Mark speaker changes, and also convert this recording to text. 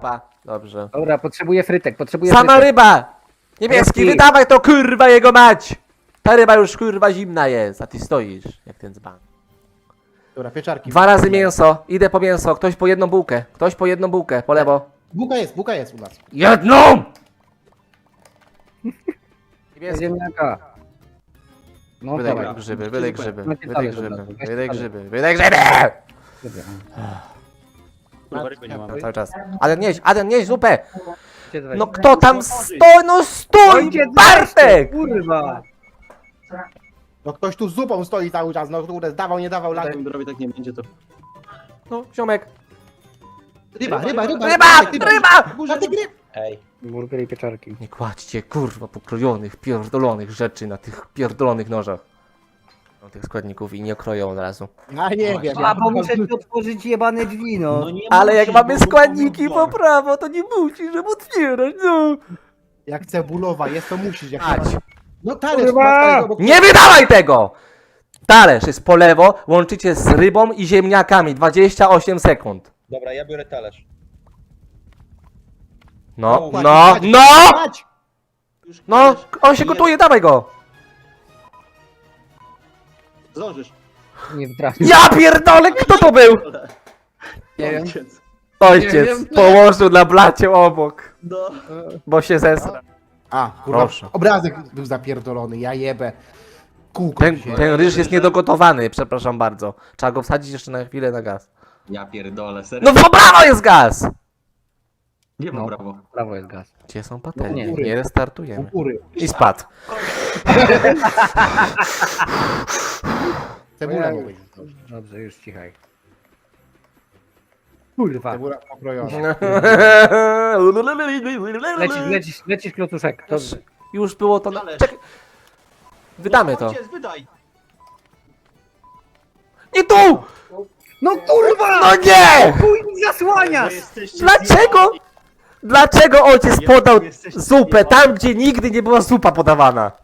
Speaker 1: zupa. Dobrze.
Speaker 2: Dobra, potrzebuję frytek, potrzebuję
Speaker 1: Sama
Speaker 2: frytek.
Speaker 1: ryba! Niebieski,
Speaker 2: Niebieski.
Speaker 1: wydawaj to kurwa jego mać! Ta ryba już kurwa zimna jest, a ty stoisz jak ten dzban.
Speaker 3: Dobra, pieczarki.
Speaker 1: 2 razy mięso, idę po mięso, ktoś po jedną bułkę, po lewo.
Speaker 3: Buka jest u nas.
Speaker 1: Jedną! Niebieski.
Speaker 2: Ziemniaka. No
Speaker 1: Wydaj
Speaker 2: dawaj.
Speaker 1: grzyby, wydaj grzyby,
Speaker 2: Macie
Speaker 1: wydaj
Speaker 2: talerz
Speaker 1: grzyby,
Speaker 2: od razu, weź
Speaker 1: wydaj
Speaker 2: talerz.
Speaker 1: grzyby, wydaj grzyby!
Speaker 2: Dobra.
Speaker 4: Kurwa, ryby nie
Speaker 1: No,
Speaker 4: mamy.
Speaker 1: cały czas. Adam nieś zupę!
Speaker 2: Gdzie to
Speaker 1: No
Speaker 2: weź?
Speaker 1: kto tam stoi? No stój!
Speaker 2: Ojciec,
Speaker 1: Bartek!
Speaker 2: Kurwa!
Speaker 3: No ktoś tu z zupą stoi cały czas, no kurde, dawał, nie dawał,
Speaker 4: Jak
Speaker 3: latem.
Speaker 4: Dorowi tak nie będzie, to...
Speaker 1: No, ziomek.
Speaker 3: Ryba!
Speaker 1: Ryba!
Speaker 4: Ej.
Speaker 2: Burgery i pieczarki.
Speaker 1: Nie kładźcie kurwa pokrojonych, pierdolonych rzeczy na tych pierdolonych nożach. No, tych składników i nie kroją od razu.
Speaker 3: Ja nie wiem.
Speaker 2: A bo muszę ci otworzyć jebane drzwi, no.
Speaker 4: nie
Speaker 1: Ale jak
Speaker 4: musisz,
Speaker 1: mamy
Speaker 4: bo-
Speaker 1: składniki po prawo, to nie musisz, żeby otwierać, no.
Speaker 3: Jak cebulowa jest, to musisz. Jak
Speaker 1: Ać.
Speaker 3: No talerz,
Speaker 2: Kurwa!
Speaker 3: masz talerz obok-
Speaker 1: Nie wydawaj tego! Talerz jest po lewo, łączycie z rybą i ziemniakami, 28 sekund.
Speaker 4: Dobra, ja biorę talerz.
Speaker 1: No,
Speaker 3: Kładź,
Speaker 1: no,
Speaker 3: kładź,
Speaker 1: no!
Speaker 3: kładź!
Speaker 4: Już
Speaker 1: No,
Speaker 4: talerz.
Speaker 1: on się gotuje, dawaj go!
Speaker 4: Zdążysz.
Speaker 2: Nie wtrafił.
Speaker 1: Ja pierdolę, kto to był?
Speaker 2: Nie wiem.
Speaker 4: Ojciec.
Speaker 1: Ojciec
Speaker 2: wiem.
Speaker 1: położył na blacie obok,
Speaker 4: No.
Speaker 1: bo się zesra.
Speaker 3: A, kurwa,
Speaker 1: Proszę.
Speaker 3: obrazek był zapierdolony, ja jebę. Kółko
Speaker 1: Ten,
Speaker 3: dzisiaj.
Speaker 1: ten ryż jest niedogotowany, przepraszam bardzo. Trzeba go wsadzić jeszcze na chwilę na gaz.
Speaker 4: Ja pierdolę, serio.
Speaker 1: No w prawo jest gaz!
Speaker 4: Nie ma
Speaker 2: No.
Speaker 4: brawo.
Speaker 2: Prawo jest gaz.
Speaker 1: Gdzie są patelnie?
Speaker 2: Nie.
Speaker 1: Nie
Speaker 3: U
Speaker 1: restartujemy.
Speaker 3: góry.
Speaker 1: I spadł.
Speaker 3: Cebula nie będzie.
Speaker 2: Dobrze, już cichaj. Kurwa.
Speaker 3: Cebula pokrojona.
Speaker 2: Lecisz klocuszek. To...
Speaker 1: Już było to na...
Speaker 4: Talerz.
Speaker 1: Czekaj. Wydamy to.
Speaker 4: Ojciec, wydaj.
Speaker 1: Nie tu!
Speaker 2: No kurwa!
Speaker 1: No nie!
Speaker 2: Chuj mi zasłaniasz!
Speaker 1: Dlaczego? Dlaczego ojciec
Speaker 4: Ja-
Speaker 1: podał
Speaker 4: jesteś
Speaker 1: zupę
Speaker 4: zjebany.
Speaker 1: tam, gdzie nigdy nie była zupa podawana?